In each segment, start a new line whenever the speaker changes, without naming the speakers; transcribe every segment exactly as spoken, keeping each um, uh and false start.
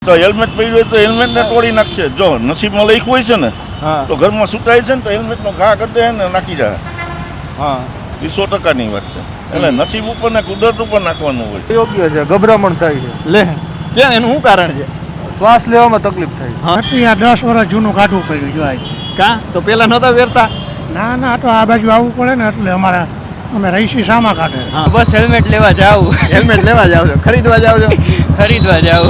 તો હેલ્મેટ પહેર્યું હોય તો હેલ્મેટ ને તોડી નાખશે. જો નસીબમાં લખ્યું હોય છે ને તો ઘરમાં સુટાય છે ને તો હેલ્મેટ નો ઘા કરી દે ને નાખી જાય. હા, એ સો ટકાની વાત છે. એટલે નસીબ ઉપર ને કુદરત ઉપર નાખવાનું હોય.
યોગ્ય છે, ગભરામણ થાય છે. લે
ક્યાં એનું શું કારણ છે?
શ્વાસ લેવામાં તકલીફ થાય.
નથી આ દસ વર્ષ જૂનું કાઢવું પડ્યું જો આજ.
કા તો પેલા નતા વેરતા?
ના ના, તો આ બાજુ આવવું પડે ને એટલે અમારા અમે રહીશી સામા કાઢે.
બસ હેલ્મેટ લેવા જાવ.
હેલ્મેટ લેવા જાવ છો, ખરીદવા જાવ છો?
ખરીદવા જાવ.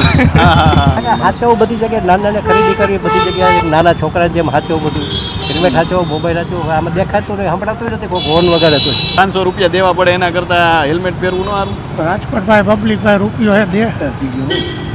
હાચવું બધી જગ્યાએ નાના નાના ખરીદી કરવી બધી જગ્યાએ નાના છોકરા જેમ હાચવું બધું હેલ્મેટ હાચવું મોબાઈલ હાચવું આમાં દેખાતું નહીં સંભળાતું નથી કોઈ હોર્ન વગાડે તો
પાંચસો રૂપિયા દેવા પડે એના કરતા હેલ્મેટ પહેરવું ન સારું?
રાજકોટ ભાઈ પબ્લિક ભાઈ રૂપિયો હે દે બીજું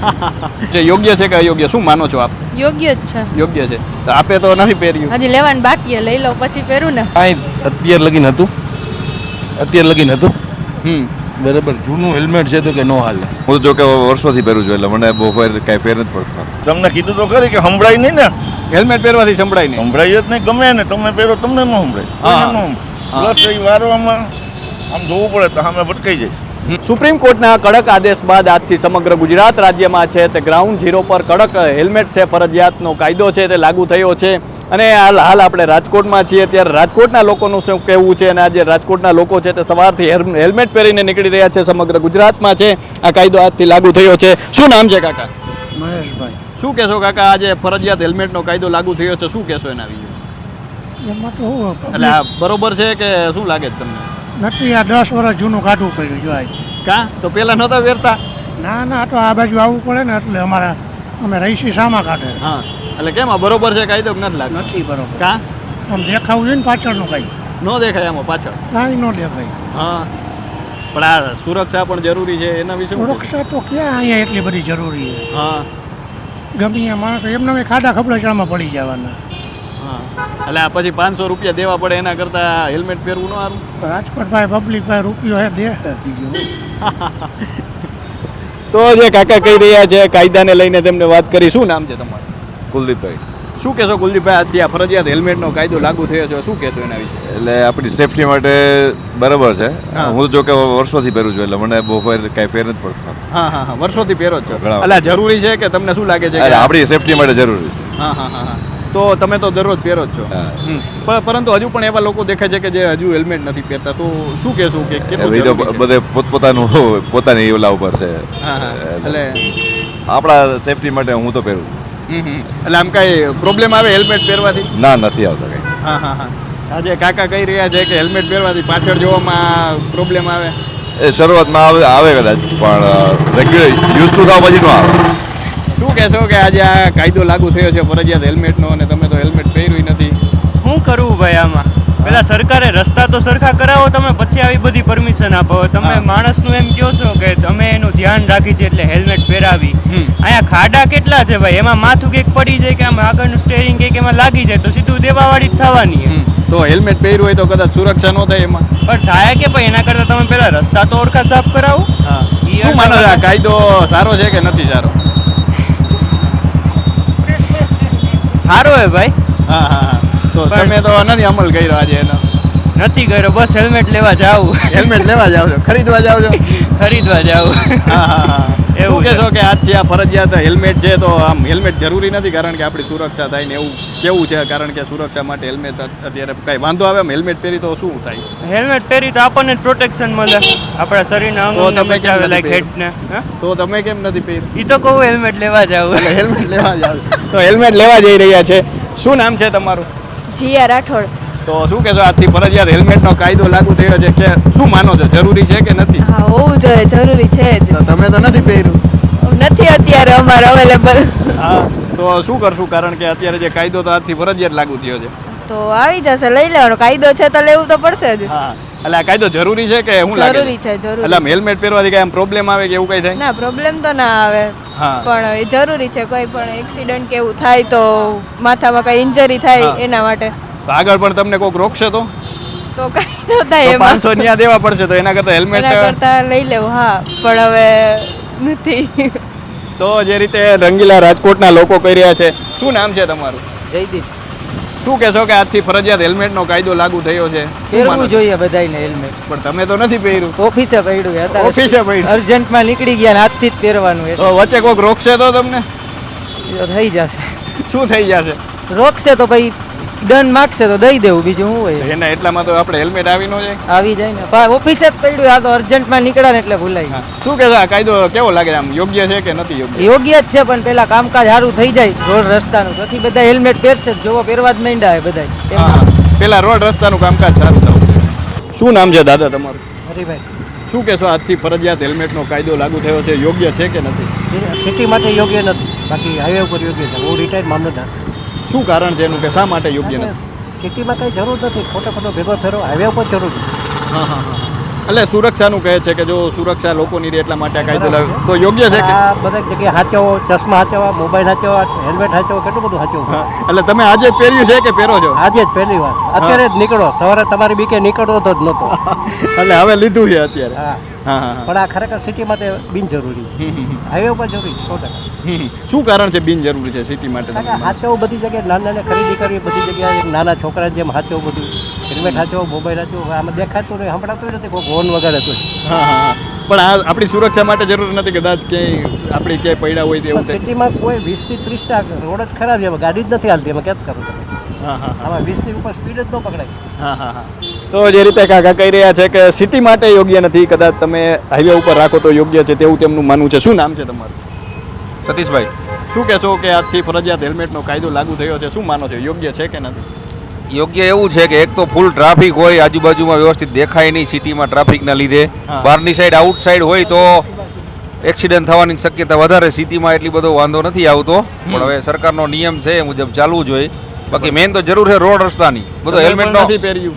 જે યોગ્ય છે કે અયોગ્ય શું માનો છો આપ?
યોગ્ય જ છે.
યોગ્ય છે તો આપે તો નથી પહેર્યું.
હજી લેવાનું બાકી લઈ લઉં પછી પહેરું ને.
કાંઈ અત્યાર લગીન હતું અત્યાર લગીન હતું
હમ
બરાબર. જૂનું હેલ્મેટ છે તો કે નો હાલે.
હું જો કે વર્ષોથી પહેરું છું એટલે મને બહુ ફેર કાંઈ ફેર નથી પડતો.
તમને કીધું તો ખરી કે સંભળાય નહીં ને.
હેલ્મેટ પહેરવાથી સંભળાય નહીં.
સંભળાય જ નહીં, ગમે ને તમે પહેરો તમને ન સંભળાય. પ્લસ એ વારવામાં આમ જોવું પડે તો સામે ભટકાઈ જાય.
સુપ્રીમ કોર્ટના કડક આદેશ બાદ આજથી સમગ્ર ગુજરાત રાજ્યમાં છે તે ગ્રાઉન્ડ ઝીરો પર કડક હેલ્મેટ છે ફરજિયાતનો કાયદો છે તે લાગુ થયો છે. અને હાલ હાલ આપણે રાજકોટમાં છીએ ત્યારે રાજકોટના લોકોનું શું કહેવું છે અને આજે રાજકોટના લોકો છે તે સવારથી હેલ્મેટ પહેરીને નીકળી રહ્યા છે. સમગ્ર ગુજરાતમાં છે આ કાયદો આજથી લાગુ થયો છે. શું નામ છે કાકા?
મહેશભાઈ.
શું કહેશો કાકા, આજે ફરજિયાત હેલ્મેટનો કાયદો લાગુ થયો છે, શું કહેશો એના વિશે?
એમાં તો હું
એટલે આ બરોબર છે કે શું લાગે છે તમને?
નથી આ દસ વર્ષ જૂનું કાઢવું પડ્યું જો આજ.
કા તો પેલા નતા વેરતા?
ના ના, તો આ બાજુ આવવું પડે ને એટલે અમારા અમે રહીશી સામા કાઢે.
હા, એટલે કેમ આ બરોબર છે કાયદો કે નથી લાગતો?
નથી બરોબર.
કા
આમ દેખાવું જોઈએ ને પાછળનું કઈ
ન દેખાય આમાં પાછળ?
કાંઈ ન દેખાય.
હા, પણ આ સુરક્ષા પણ જરૂરી છે એના વિશે શું કહેશો?
સુરક્ષા તો ક્યાં અહીંયા એટલી બધી જરૂરી છે.
હા
ગમે ત્યાં માણસો એમને ખાડા ખબડાચામાં પડી જવાના.
હા, એટલે આ પછી પાંચસો રૂપિયા દેવા પડે એના કરતા હેલ્મેટ પહેરવું ન સારું?
રાજકોટ ભાઈ પબ્લિક ભાઈ રૂપિયો હે દે બીજું.
તો જે કાકા કહી રહ્યા છે કાયદાને લઈને તેમને વાત કરી. શું નામ છે તમારું?
કુલદીપભાઈ.
શું કહેશો કુલદીપભાઈ, આજથી આ ફરજિયાત હેલ્મેટનો કાયદો લાગુ થયો છે, શું કહેશો એના વિશે?
એટલે આપણી સેફટી માટે બરાબર છે. હું જો કે વર્ષોથી પહેરું છું એટલે મને બહુ ફેર કાંઈ ફેર નથી પડતો.
હા હા હા, વર્ષોથી પહેરો જ છો.
ઘણા
એટલે જરૂરી છે કે તમને શું લાગે છે?
એટલે આપણી સેફટી માટે જરૂરી છે.
હા હા હા હા, તો તમે તો દરરોજ પહેરો જ છો. હમ. પણ પરંતુ હજુ પણ એવા લોકો દેખાય છે કે જે હજુ હેલ્મેટ નથી પહેરતા, તો શું કહેશું કે કેટલું
એ તો
જરૂરી છે?
બધે પોતપોતાનું પોતાની ઓલા ઉપર છે.
હા હા, એટલે
આપણા સેફટી માટે હું તો પહેરું છું.
હમ હમ. એટલે આમ કાંઈ પ્રોબ્લેમ આવે હેલ્મેટ પહેરવાથી?
ના, નથી આવતો કંઈ.
હા હા હા, આજે કાકા કહી રહ્યા છે કે હેલ્મેટ પહેરવાથી પાછળ જોવામાં પ્રોબ્લેમ આવે.
એ શરૂઆતમાં આવે આવે કદાચ પણ રેગ્યુલર યુઝ ટુ થાવ પછી ન આવે.
શું કહેશો કે આજે આ કાયદો લાગુ થયો છે ફરજિયાત હેલ્મેટનો અને તમે તો હેલ્મેટ પહેર્યું નથી?
શું કરવું ભાઈ આમાં? પેલા સરકારે રસ્તા તો સરખા કરાવો તમે, પછી આવી બધી પરમિશન આપો. તમે માણસનું એમ કહો છો કે તમે એનું ધ્યાન રાખી છે એટલે હેલ્મેટ પહેરાવી. અહીંયા ખાડા કેટલા છે ભાઈ, એમાં માથું કંઈક પડી જાય કે આમ આગળનું સ્ટેરિંગ કંઈક એમાં લાગી જાય તો સીધું દેવાવાળી જ થવાની.
તો હેલ્મેટ પહેર્યું હોય તો કદાચ સુરક્ષા ન થાય એમાં?
પણ થાય કે ભાઈ એના કરતાં તમે પેલા રસ્તા તો ઓરખા સાફ કરાવો.
હા, શું માનો છો આ કાયદો સારો છે કે નથી સારો?
સારો હે ભાઈ.
હા હા હા, તો તમે તો નથી અમલ કર્યો આજે એનો?
નથી કર્યો, બસ હેલ્મેટ લેવા જાવ.
હેલ્મેટ લેવા જાવ છો, ખરીદવા જાવ છો?
ખરીદવા જાવ.
હા હા હા,
એવું
એવું કહેશો કે આજથી આ ફરજિયાત હેલ્મેટ છે તો આમ હેલ્મેટ જરૂરી નથી કારણ કે આપણી સુરક્ષા થાય ને એવું કેવું છે? કારણ કે સુરક્ષા માટે હેલ્મેટ અત્યારે કાંઈ વાંધો આવે એમ હેલ્મેટ પહેરી તો શું થાય?
હેલ્મેટ પહેરી તો આપણને જ પ્રોટેક્શન મળે, આપણા શરીરના અંગોને બચાવે, લાઈક હેડને.
તો તમે કેમ નથી પહેર્યું?
એ તો કહું હેલ્મેટ લેવા જાવ.
એટલે હેલ્મેટ લેવા જાવ તો હેલ્મેટ લેવા જઈ રહ્યા છે. શું નામ છે તમારું?
જીયા રાઠોડ.
તો શું કહેશો આજથી ફરજિયાત હેલ્મેટનો કાયદો લાગુ થયો છે કે શું માનો છો, જરૂરી છે કે નથી?
હા, હોવું જોઈએ, જરૂરી છે જ.
તો તમે તો નથી પહેર્યું?
નથી અત્યારે અમારે અવેલેબલ.
હા, તો શું કરશું કારણ કે અત્યારે જે કાયદો તો આજથી ફરજિયાત લાગુ થયો છે?
તો આવી જશે, લઈ લેવાનો. કાયદો છે તો લેવું તો પડશે જ.
હા, એટલે આ કાયદો જરૂરી છે કે હું લાગે?
જરૂરી છે, જરૂરી.
એટલે આમ હેલ્મેટ પહેરવાથી કઈ આમ પ્રોબ્લેમ આવે કે એવું કઈ થાય?
ના, પ્રોબ્લેમ તો ના આવે,
હા,
પણ એ જરૂરી છે. કોઈ પણ એક્સિડન્ટ કે એવું થાય તો માથામાં કઈ ઇન્જરી થાય એના માટે.
તો આગળ પણ તમને કોઈક રોકશે તો
તો કઈ ન થાય એમાં.
પાંચસો ન્યા દેવા પડશે તો એના કરતા હેલ્મેટ
એના કરતા લઈ લેવું. હા, પણ હવે નથી.
તો જે રીતે રંગીલા રાજકોટના લોકો કહી રહ્યા છે. શું નામ છે તમારું?
જયદીપ.
શું કહેશો કે આજથી ફરજિયાત હેલ્મેટનો કાયદો લાગુ થયો છે?
પહેરવું જોઈએ બધાને હેલ્મેટ.
પણ તમે તો નથી પહેર્યું?
ઓફિસે પડ્યું,
ઓફિસે પડ્યું,
અર્જન્ટમાં નીકળી ગયા આજથી જ પહેરવાનું.
તો વચ્ચે કોઈક રોકશે તો તમને?
એ તો થઈ જશે.
શું થઈ જશે?
રોકશે તો ભાઈ દંડ માગશે તો દઈ દેવું, બીજું શું હોય.
એના એટલામાં તો આપણે હેલ્મેટ આવી ન જાય.
આવી જાય ને પા ઓફિસે જ પડ્યું, આ તો અર્જન્ટમાં નીકળ્યા ને એટલે ભૂલાઈ ગયું.
શું કે આ કાયદો કેવો લાગે આમ, યોગ્ય છે કે નથી યોગ્ય?
યોગ્ય જ છે, પણ પેલા કામકાજ સારું થઈ જાય રોડ રસ્તાનું, પછી બધા હેલ્મેટ પહેરશે જ. જોવો પહેરવા જ માંડ્યા બધા.
હા, પેલા રોડ રસ્તાનું કામકાજ સારું થવું. શું નામ છે દાદા તમારું?
હરીભાઈ,
શું કહેશો, આજથી ફરજિયાત હેલ્મેટનો કાયદો લાગુ થયો છે, યોગ્ય છે કે નથી?
સિટી માટે યોગ્ય નથી, બાકી હાઈવે ઉપર યોગ્ય છે. હું રિટાયર્ડ મામલતદાર.
શું કારણ છે એનું કે શા માટે યોગ્ય નથી?
સિટીમાં કંઈ જરૂર નથી, ખોટો ખોટો ભેગો ફેરો હાઈવે ઉપર જરૂર છે.
હા હા હા. એટલે સુરક્ષાનું કહે છે કે જો સુરક્ષા લોકોની રહે એટલા માટે આ કાયદો લાવ્યો તો યોગ્ય છે કે?
આ બધા જગ્યાએ હાચવો, ચશ્મા હાચવા, મોબાઈલ હાચવા, હેલ્મેટ હાચવા, કેટલું બધું હાચવું.
હા, એટલે તમે આજે જ પહેર્યું છે કે પહેરો છો?
આજે જ પહેલી વાર, અત્યારે જ નીકળો. સવારે તમારી બીકે નીકળવો તો જ નહોતો.
એટલે હવે લીધું છે અત્યારે.
હા
હા હા.
પણ આ ખરેખર સિટી માટે બિનજરૂરી છે. હાઈવે ઉપર જરૂરી સો ટકા.
શું કારણ છે બિનજરૂરી છે સિટી માટે?
હાચવું બધી જગ્યાએ, નાના નાના ખરીદી કરવી બધી જગ્યાએ, નાના છોકરા જેમ હાચવું બધું, હેલ્મેટ હાચવો, મોબાઈલ હાચવો. આમાં દેખાતું નહીં, સંભળાતું નથી, કોઈ ફોન વગર હતું.
હા હા. પણ આ આપણી સુરક્ષા માટે જરૂર નથી કદાચ ક્યાંય આપણી ક્યાંય પડ્યા હોય તેવું?
સિટીમાં કોઈ વીસ થી ત્રીસ રોડ જ ખરાબ છે, એમાં ગાડી જ નથી હાલતી, એમાં ક્યાં કરું તમે?
હા હા.
આમાં વીસ ની ઉપર સ્પીડ જ ન પકડાય.
હા હા હા. તો જે રીતે કાકા કહી રહ્યા છે કે સિટી માટે યોગ્ય નથી, કદાચ તમે હાઈવે ઉપર રાખો તો યોગ્ય છે, તેવું તેમનું માનવું છે. શું નામ છે તમારું?
સતીશભાઈ.
શું કહેશો કે આજથી ફરજિયાત હેલ્મેટનો કાયદો લાગુ થયો છે, શું માનો છો, યોગ્ય છે કે નથી?
યોગ્ય એવું છે કે એક તો ફૂલ ટ્રાફિક હોય, આજુબાજુમાં વ્યવસ્થિત દેખાય નહીં સિટીમાં ટ્રાફિકના લીધે. બહારની સાઈડ આઉટ સાઈડ હોય તો એક્સિડન્ટ થવાની શક્યતા વધારે. સિટીમાં એટલી બધો વાંધો નથી આવતો, પણ હવે સરકારનો નિયમ છે એ મુજબ ચાલવું જોઈએ. બાકી મેન તો જરૂર છે રોડ રસ્તાની. બધો હેલ્મેટનો
નથી પહેર્યું,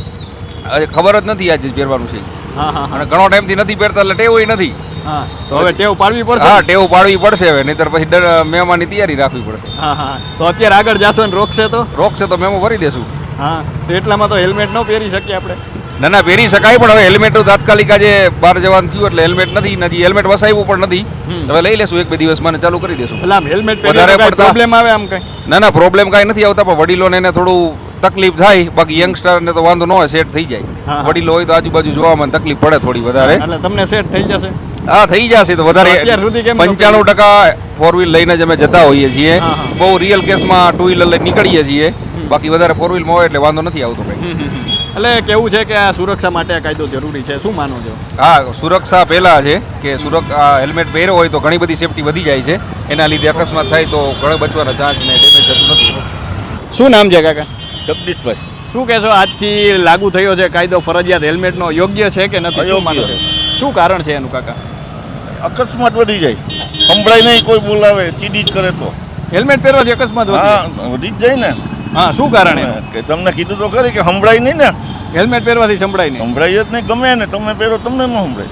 ખબર જ નથી આજે પહેરવાનું છે.
હા હા.
અને ઘણો ટાઈમથી નથી પહેરતા એટલે ટેવ નથી.
હા, તો હવે ટેવ પાડવી પડશે.
હા, ટેવ પાડવી પડશે હવે, નહીતર પછી ડર મેમાની તૈયારી રાખવી પડશે.
હા હા. તો અત્યારે આગળ જાશો ને રોકશે તો?
રોકશે તો મેમો ભરી દેશું.
હા, તો એટલામાં તો હેલ્મેટ ન પહેરી શકીએ આપણે?
ના ના, પહેરી શકાય, પણ હવે હેલ્મેટ તાત્કાલિક આજે બહાર જવાનું થયું એટલે હેલ્મેટ નથી, નથી હેલ્મેટ વસાવ્યું પણ નથી. હવે લઈ લેશું એક બે દિવસમાં ને ચાલુ કરી દેશું.
એટલે આમ હેલ્મેટ પહેરીને પ્રોબ્લેમ આવે આમ કઈ?
ના ના, પ્રોબ્લેમ કાંઈ નથી આવતા, પણ વડીલોને એને થોડું તકલીફ થાય. બાકી યંગસ્ટરને તો વાંધો ન હોય, સેટ થઈ જાય. વડીલો હોય તો આજુબાજુ જોવામાં તકલીફ પડે થોડી વધારે.
એટલે તમને સેટ થઈ જશે?
હા, થઈ જશે. તો વધારે પંચાણું ટકા ફોર વ્હીલ લઈને જ અમે જતા હોઈએ છીએ. બહુ રિયલ કેસમાં ટુ વ્હીલર લઈને નીકળીએ છીએ. બાકી વધારે ફોર વ્હીલમાં હોય એટલે વાંધો નથી આવતો કંઈ.
એટલે કેવું છે કે આ સુરક્ષા માટે આ કાયદો જરૂરી છે, શું માનો છો?
હા, સુરક્ષા પહેલાં છે કે સુરક્ષા હેલ્મેટ પહેર્યો હોય તો ઘણી બધી સેફટી વધી જાય છે. એના લીધે અકસ્માત થાય તો ઘણો બચવાના ચાન્સ ને ડેમેજ થતું નથી.
શું નામ છે કાકા?
જગદીશભાઈ.
શું કહેશો, આજથી લાગુ થયો છે કાયદો ફરજિયાત હેલ્મેટનો, યોગ્ય છે કે નથી, શું માનો છો? શું કારણ છે એનું કાકા?
અકસ્માત વધી જાય, સંભળાય નહીં, કોઈ બોલાવે ચીડી જ કરે તો
હેલ્મેટ પહેરવાથી અકસ્માત વધી જાય?
હા, વધી જ જાય ને.
હા, શું કારણ
કે તમને કીધું તો ખરી કે સંભળાય નહીં ને.
હેલ્મેટ પહેરવાથી સંભળાય નહીં?
સંભળાય જ નહીં, ગમે ને તમે પહેરો તમને ન સંભળાય.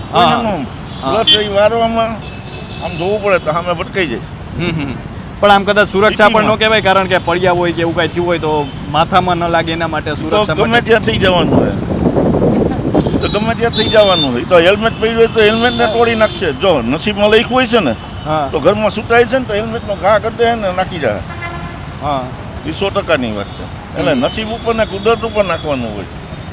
પ્લસ એ વારવામાં આમ જોવું પડે તો સામે ભટકાઈ જાય.
પણ આમ કદાચ સુરક્ષા પણ ન કહેવાય, કારણ કે પડ્યા હોય કે એવું કાંઈ થયું હોય તો માથામાં ન લાગે એના માટે સુરક્ષા.
ગમે ત્યાં થઈ જવાનું હોય તો ગમે ત્યાં થઈ જવાનું હોય તો હેલ્મેટ પહેર્યું હોય તો હેલ્મેટને તોડી નાખશે. જો નસીબમાં લખ્યું હોય છે ને તો ઘરમાં સુટાય છે ને તો હેલ્મેટનો ઘા કરી દે ને નાખી જાય. હા, એ સો ટકાની વાત છે. એટલે નસીબ ઉપર ને કુદરત ઉપર નાખવાનું હોય.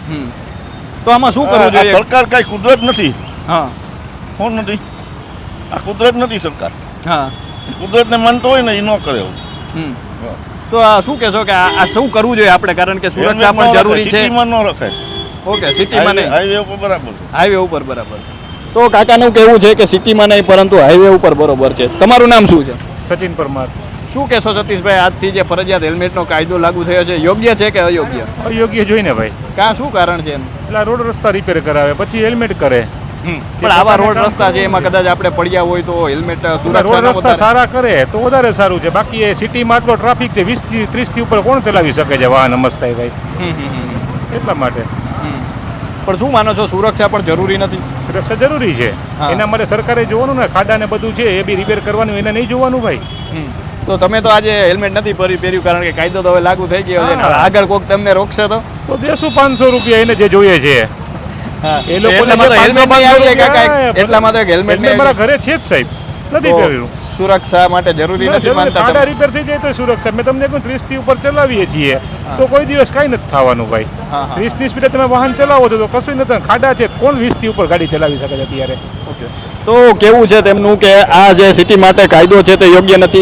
તો આમાં શું કરવું જોઈએ?
સરકાર કઈ કુદરત નથી.
હા,
કોણ નથી? આ કુદરત નથી સરકાર.
હા,
કુદરતને માનતો હોય ને એ ન કરે એવું.
તો આ શું કહેશો કે આ શું કરવું જોઈએ આપણે, કારણ કે સુરક્ષા પણ જરૂરી છે?
સિટીમાં ન રખાય.
ઓકે, સિટીમાં નહીં,
હાઈવે ઉપર બરાબર.
હાઈવે ઉપર બરાબર. તો કાકાનું કહેવું છે કે સિટીમાં નહીં પરંતુ હાઈવે ઉપર બરોબર છે. તમારું નામ શું છે?
સચિન પરમાર.
શું કહેશો સતીશભાઈ, આજથી જે ફરજિયાત હેલ્મેટનો કાયદો લાગુ થયો છે, યોગ્ય છે કે અયોગ્ય?
અયોગ્ય જોઈને ભાઈ.
કાં શું કારણ છે એનું?
એટલે રોડ રસ્તા રિપેર કરાવે પછી હેલ્મેટ કરે.
પણ આવા રોડ રસ્તા છે એમાં કદાચ આપણે પડ્યા હોય તો હેલ્મેટ સુરક્ષા
રોડ રસ્તા સારા કરે તો વધારે સારું છે. બાકી એ સિટીમાં આટલો ટ્રાફિક છે, વીસ થી ત્રીસ થી ઉપર કોણ ચલાવી શકે છે વાહન અમસ્તાય ભાઈ? એટલા માટે.
પણ શું માનો છો, સુરક્ષા પણ જરૂરી નથી?
સુરક્ષા જરૂરી છે, એના માટે સરકારે જોવાનું ને, ખાડા ને બધું છે એ બી રિપેર કરવાનું, એને નહીં જોવાનું ભાઈ.
તો તમે તો આજે હેલ્મેટ નથી પહેર્યું કારણ કે કાયદો તો હવે લાગુ થઈ ગયો છે, આગળ કોઈક તમને રોકશે તો
તો દેશું પાંચસો રૂપિયા એને જે જોઈએ છે એ લોકો.
એટલામાં તો હેલ્મેટ
મારા ઘરે છે જ સાહેબ, નથી પહેર્યું.
સુરક્ષા માટે જરૂરી નથી માનતા?
ખાડા રિપેર થઈ જાય તો સુરક્ષા. મેં તમને કહું ત્રીસ થી ઉપર ચલાવીએ છીએ તો કોઈ દિવસ કાંઈ નથી થવાનું ભાઈ. ત્રીસ ની સ્પીડે તમે વાહન ચલાવો છો તો કશું નથી. ખાડા છે, કોણ વીસ થી ઉપર ગાડી ચલાવી શકે છે અત્યારે?
ઓકે, તો કેવું છે તેમનું કે આ જે સિટી માટે કાયદો છે તે યોગ્ય નથી,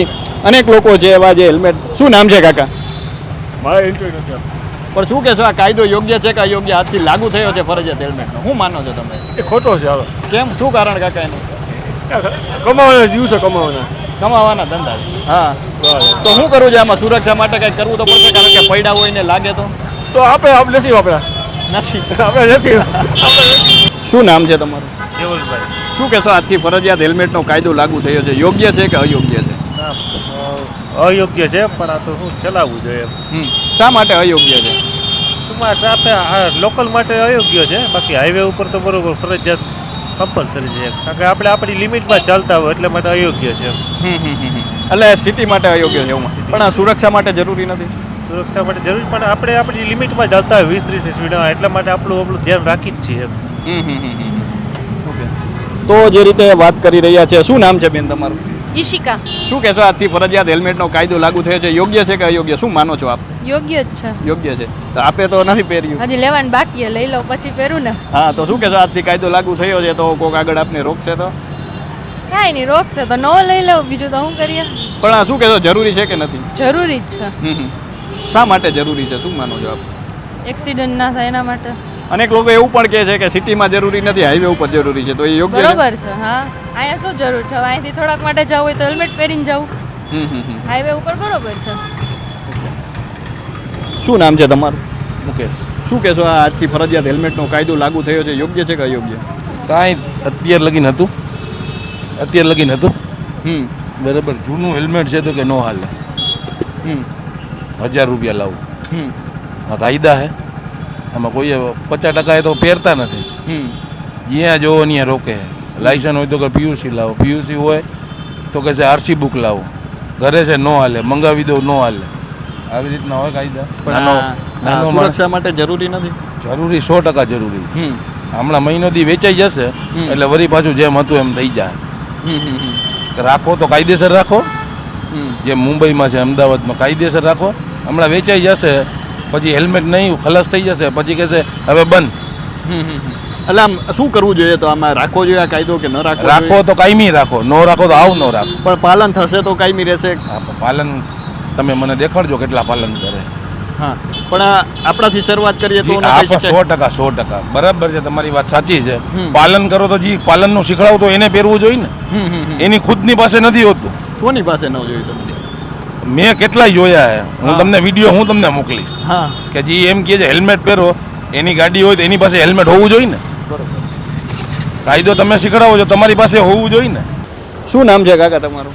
અનેક લોકો છે એવા જે હેલ્મેટ શું નામ છે કાકા
મારે ઇન્ટરવ્યુ નથી
પણ શું કહેશો આ કાયદો યોગ્ય છે કે અયોગ્ય આજથી લાગુ થયો છે ફરજિયાત હેલ્મેટનો શું માનો છો તમે
એ ખોટો છે હવે
કેમ શું કારણ કાકા એનું
કમાવાના દિવસે કમાવાના
કમાવાના ધંધા હા તો શું કરવું છે આમાં સુરક્ષા માટે કંઈક કરવું તો પડશે કારણ કે પૈડા હોય ને લાગે તો
તો આપણે આપણે નથી વાપરા
નથી
આપણે નથી
શું નામ છે તમારું
કેવલભાઈ
શું કહેશો આજથી ફરજિયાત હેલ્મેટનો કાયદો લાગુ થયો છે યોગ્ય છે કે અયોગ્ય છે
અયોગ્ય છે પણ આ તો શું ચલાવવું જોઈએ
હમ શા માટે અયોગ્ય છે
ટૂંકમાં ટ્રાફિક લોકલ માટે અયોગ્ય છે બાકી હાઈવે ઉપર તો બરોબર ફરજિયાત કમ્પલસરી છે કારણ કે આપણે આપણી લિમિટમાં ચાલતા હોય એટલે માટે અયોગ્ય છે
એટલે સિટી માટે અયોગ્ય છે એવું પણ આ સુરક્ષા માટે જરૂરી નથી
સુરક્ષા માટે જરૂરી પણ આપણે આપણી લિમિટમાં ચાલતા હોય વીસ ત્રીસની સ્પીડમાં એટલા માટે આપણું આપણું ધ્યાન રાખી જ છીએ
તો જે રીતે વાત કરી રહ્યા છે શું નામ છે બેન તમારું
ઈશિકા.
શું કહેશો આજથી ફરજિયાત હેલ્મેટનો કાયદો લાગુ થયો છે યોગ્ય છે કે અયોગ્ય શું માનો છો આપ
યોગ્ય જ છે.
યોગ્ય છે તો આપે તો નથી પહેર્યું
હજી લેવાનું બાકી લઈ લો પછી પહેરું ને.
હા તો શું કહેશો આજથી કાયદો લાગુ થયો છે તો કોઈક આગળ આપને રોકશે તો
કાંઈ નહીં રોકશે તો નવો લઈ લઉં બીજું તો શું કરીએ.
પણ આ શું કહેશો જરૂરી છે કે નથી
જરૂરી જ છે.
હમ શા માટે જરૂરી છે શું માનો છો આપ
એક્સિડન્ટ ના થાય એના માટે.
અનેક લોકો એવું પણ કહે છે કે સિટીમાં જરૂરી નથી હાઈવે ઉપર જરૂરી છે તો એ યોગ્ય છે
બરોબર છે. હા અહીંયા શું જરૂર છે અહીંથી થોડાક માટે જવું હોય તો હેલ્મેટ પહેરીને જવું.
હમ હમ હમ
હાઈવે ઉપર બરોબર છે.
શું નામ છે તમારું
મુકેશ
શું કહેશો આ આજથી ફરજિયાત હેલ્મેટનો કાયદો લાગુ થયો છે યોગ્ય છે કે અયોગ્ય
કાંઈ અત્યારે લગીન હતું અત્યારે લગીન હતું
હમ
બરાબર જૂનું હેલ્મેટ છે તો કે નો હાલે
હમ
હજાર રૂપિયા લાવું
હમ
આ કાયદા હે આમાં કોઈ પચાસ ટકા એ તો પહેરતા નથી
હમ
જ્યાં જોવો ત્યાં રોકે લાયસન્સ હોય તો કે પીયુસી લાવો પીયુસી હોય તો કે છે આરસી બુક લાવો ઘરે છે નો હાલે મંગાવી દો નો હાલે આવી રીતના હોય કાયદા
પણ આ સુરક્ષા માટે જરૂરી નથી
જરૂરી સો ટકા જરૂરી
હમ
હમણાં મહિનો દી વેચાઈ જશે એટલે વળી પાછું જેમ હતું એમ થઈ જાય રાખો તો કાયદેસર રાખો જેમ મુંબઈમાં છે અમદાવાદમાં કાયદેસર રાખો હમણાં વેચાઈ જશે પછી હેલ્મેટ નહીં ખલાસ થઈ જશે પછી કહેશે હવે બંધ
એટલે આમ શું કરવું જોઈએ તો આમાં રાખવો જોઈએ આ કાયદો કે ન રાખવો
રાખો તો કાયમી રાખો નો રાખો તો આવ નો રાખો
પણ પાલન થશે તો કાયમી રહેશે
પાલન તમે મને દેખાડજો કેટલા પાલન કરે
હા પણ આપણાથી શરૂઆત કરીએ તો
સો ટકા સો ટકા બરાબર છે તમારી વાત સાચી છે પાલન કરો તો જી પાલનનું શીખડાવું તો એને પહેરવું જોઈએ ને એની ખુદની પાસે નથી હોતું
કોની પાસે ન જોયું તમને
મેં કેટલાય જોયા હે હું તમને વિડીયો હું તમને મોકલીશ
હા
કે જે એમ કહે છે હેલ્મેટ પહેરો એની ગાડી હોય તો એની પાસે હેલ્મેટ હોવું જોઈએ ને કાયદો તમે શીખડાવો છો તમારી પાસે હોવું જોઈએ ને
શું નામ છે કાકા તમારું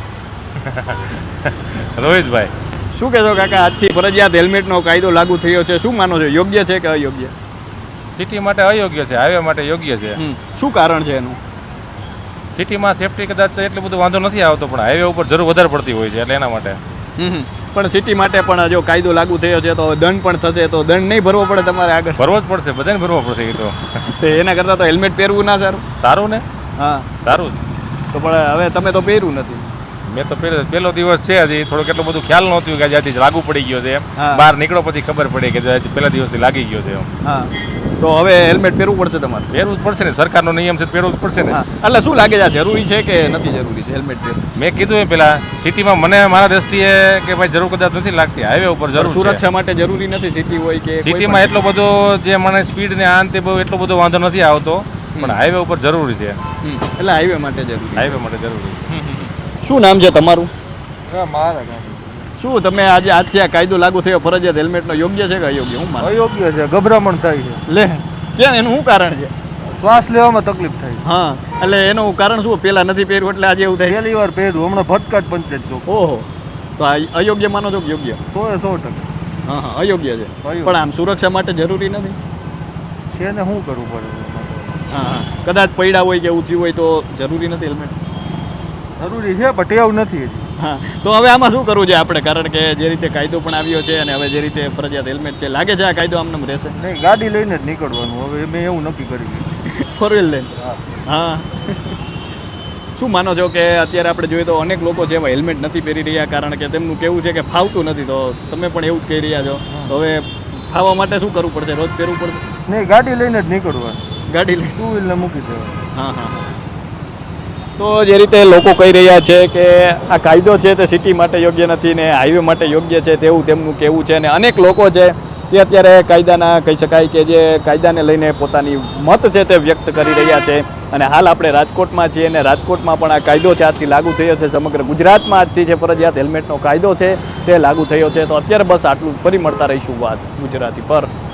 રોહિતભાઈ
શું કહેશો કાકા આજથી ફરજિયાત હેલ્મેટનો કાયદો લાગુ થયો છે શું માનો છો યોગ્ય છે કે અયોગ્ય
સિટી માટે અયોગ્ય છે હાઈવે માટે યોગ્ય છે
શું કારણ છે એનું
સિટીમાં સેફટી કદાચ એટલું બધું વાંધો નથી આવતો પણ હાઈવે ઉપર જરૂર વધારે પડતી હોય છે એટલે એના માટે
પણ સિટી માટે પણ જો કાયદો લાગુ થયો છે તો દંડ પણ થશે તો દંડ નહીં ભરવો પડે તમારે આગળ
ભરવો જ પડશે બધાને ભરવો પડશે એ તો
એના કરતાં તો હેલ્મેટ પહેરવું ના સારું
સારું ને
હા
સારું
તો પણ હવે તમે તો પહેર્યું નથી
મેં તો પહેલો પહેલો દિવસ છે હજી થોડું કેટલું બધું ખ્યાલ નહોતું કે આજથી લાગુ પડી ગયો છે એમ બહાર નીકળો પછી ખબર પડી કે પહેલા દિવસથી લાગી ગયો છે એમ
હા તો હવે હેલ્મેટ પહેરવું પડશે તમારે
પહેરવું જ પડશે ને સરકારનો નિયમ છે પહેરવું જ પડશે ને
એટલે શું લાગે છે જરૂરી છે કે નથી જરૂરી છે હેલ્મેટ પહેરવું
મેં કીધું એમ પેલા સિટીમાં મને મારા દ્રષ્ટિએ કે ભાઈ જરૂર કદાચ નથી લાગતી હાઈવે ઉપર જરૂર
સુરક્ષા માટે જરૂરી નથી સિટી હોય કે
સિટીમાં એટલો બધો જે મને સ્પીડ ને આ તે બહુ એટલો બધો વાંધો નથી આવતો પણ હાઈવે ઉપર જરૂરી છે
એટલે હાઈવે માટે જરૂરી
હાઈવે માટે જરૂરી
શું નામ છે તમારું
મારા
શું તમે આજે આજથી આ કાયદો લાગુ થયો ફરજિયાત હેલ્મેટનો યોગ્ય છે કે અયોગ્ય હું માનું
અયોગ્ય છે ગભરામણ થાય છે
લે કેમ એનું શું કારણ છે
શ્વાસ લેવામાં તકલીફ થાય
હા એટલે એનું કારણ શું પેલા નથી પહેર્યું એટલે આજે એવું થાય
પહેલી વાર પહેર્યું હમણાં ભટકાટ પંચાયત ચોક
ઓહો તો આ અયોગ્ય માનો છો કે યોગ્ય
સો એ સો ટકા
હા હા અયોગ્ય છે પણ આમ સુરક્ષા માટે જરૂરી નથી
છે ને શું કરવું પડે
હા હા કદાચ પડ્યા હોય કે એવું થયું હોય તો જરૂરી નથી હેલ્મેટ
જરૂરી છે પણ ટેવ નથી હજી
હા તો હવે આમાં શું કરવું છે આપણે કારણ કે જે રીતે કાયદો પણ આવ્યો છે અને હવે જે રીતે ફરજિયાત હેલ્મેટ છે લાગે છે આ કાયદો આમને રહેશે
નહીં ગાડી લઈને જ નીકળવાનું હવે મેં એવું નક્કી કરી
ફોર વ્હીલ લઈને હા શું માનો છો કે અત્યારે આપણે જોઈએ તો અનેક લોકો છે એવા હેલ્મેટ નથી પહેરી રહ્યા કારણ કે તેમનું કેવું છે કે ફાવતું નથી તો તમે પણ એવું જ કહી રહ્યા છો તો હવે ફાવવા માટે શું કરવું પડશે રોજ પહેરવું પડશે
નહીં ગાડી લઈને જ નીકળવાનું
ગાડી લઈને
ટુ વ્હીલને મૂકી દેવાનું
હા હા તો જે રીતે લોકો કહી રહ્યા છે કે આ કાયદો છે તે સિટી માટે યોગ્ય નથી ને હાઈવે માટે યોગ્ય છે તેવું તેમનું કહેવું છે અને અનેક લોકો છે તે અત્યારે કાયદાના કહી શકાય કે જે કાયદાને લઈને પોતાની મત છે તે વ્યક્ત કરી રહ્યા છે અને હાલ આપણે રાજકોટમાં છીએ અને રાજકોટમાં પણ આ કાયદો છે આજથી લાગુ થયો છે. સમગ્ર ગુજરાતમાં આજથી જે ફરજિયાત હેલ્મેટનો કાયદો છે તે લાગુ થયો છે. તો અત્યારે બસ આટલું, ફરી મળતા રહીશું વાત ગુજરાતી પર.